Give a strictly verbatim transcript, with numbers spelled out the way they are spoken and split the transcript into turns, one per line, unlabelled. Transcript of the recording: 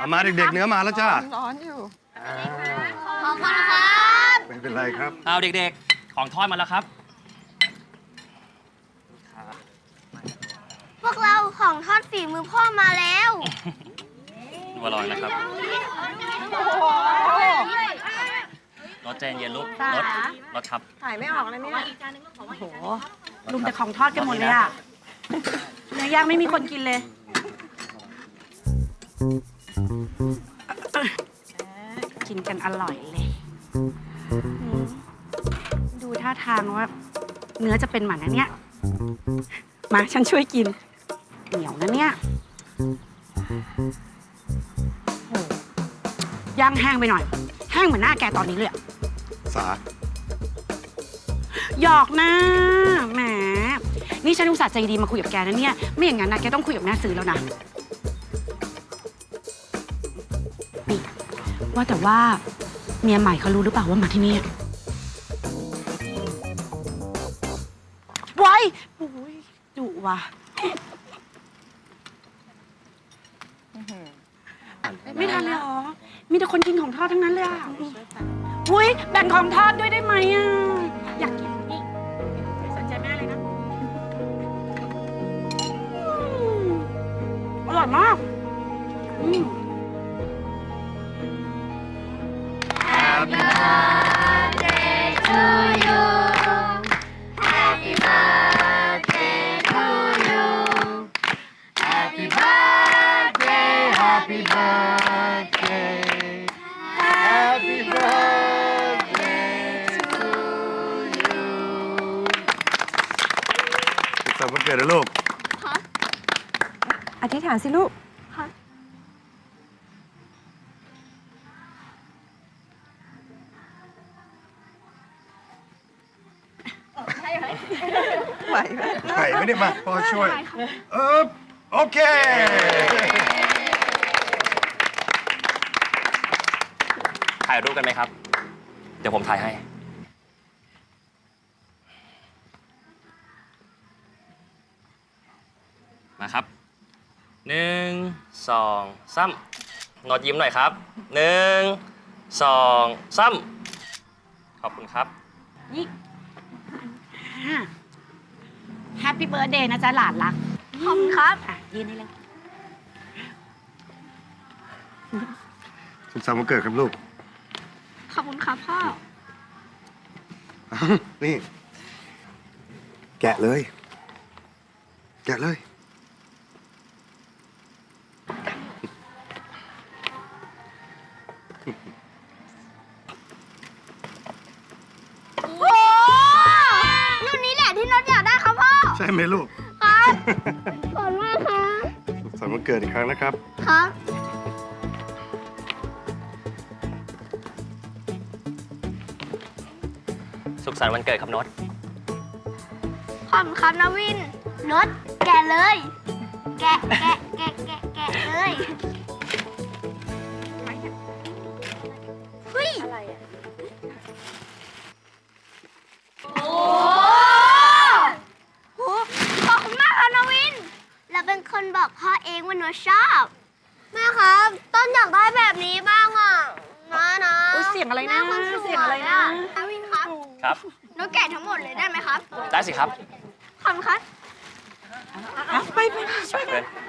เอามาเด็กๆเนื้อมาแล้วจ้า
ร้อนอยู่
ขอบคุณครับ
ไม่เป็นไรครับ
เอาเด็กๆ ของทอดมาแล้วครับ
พวกเราของทอดฝีมือพ่อมาแล้ว
ดูอร่อยนะครับรสใจเย็นลูกรสรสครับ
ถ่ายไม่ออกเลยเนี่ย
โอ้โหลุมแต่ของทอดกันหมดเลยอะเนื้อย่างไม่มีคนกินเลย กินกันอร่อยเลยอืมดูท่าทางว่า เนื้อจะเป็นหมันนะเนี่ย มาฉันช่วยกิน เหนียวนะเนี่ยโอ้ย่างแห้งไปหน่อย แห้งเหมือนหน้าแกตอนนี้เลยอะ
สา
หยอกนะแหม นี่ฉันอุตส่าห์ใจดีมาคุยกับแกนะเนี่ย ไม่อย่างนั้นนะแกต้องคุยกับแม่ซื้อแล้วนะ นี่ ว่าแต่ว่าเมียใหม่เขารู้หรือเปล่าว่ามาที่นี่ไว้โอ้ยดุว่ะ ไม่ทันเลยเหรอ มีแต่คนกินของทอดทั้งนั้นเลยอ่ะอุ้ยแบ่งของทอดด้วยได้ไหมอ่ะ อยากกินนี่สนใจแม่เลยนะอืมอร่อยมากอืม
Happy birthday to you Happy birthday to you Happy birthday Happy birthday Happy birthday to you
สุขสันต์วันเกิดนะลูก
อธิษฐานสิลูก ไหวไหม
ไหวไม่ได้มาพ่อช่วย เออโอเค
ถ่ายรูปกันไหมครับ เดี๋ยวผมถ่ายให้ มาครับ หนึ่ง สองสามนอดยิ้มหน่อยครับ หนึ่ง สองสามขอบคุณครับ
นี่แฮปปี้เบิร์ดเดย์นะจ๊ะหลานรัก
ขอบคุณครับ
อ่ะยืนได้เลย
สุขสันต์วันเกิดครับลูก
ขอบคุณครับพ่อ
อ้าวนี่ แกะเลย แกะเลย
โอ้รุ่นนี้แหละที่น็อตอยากได้ครับพ่อ
ใช่ไหมลูก
ครับขอบคุณมากครับ
สุขสันต์วันเกิดอีกครั้งนะครับ
ครับ
สุขสันต์วันเกิดครับโนต
ขอบคุณครับนาวินน็อตแกะเลย แกะแกะแกะแกะแกะเลยเฮ้ยอะไรอ่ะโอ้โหขอบคุณมากครับนาวิน เราเป็นคนบอกพ่อเองว่าหนูชอบ แม่ครับ ต้นอยากได้แบบนี้บ้างอ่ะนะนะ
อุ๊ยเสียงอะไรนะ
แม่คสว
เสียงอะไรนะ
นาวินครับ
ครับ
หนูแกะทั้งหมดเลยได้ไหมครับ
ได้สิครับ
ขอบคุณครับ
เอาไปไปช่วยกัน
เพื่อน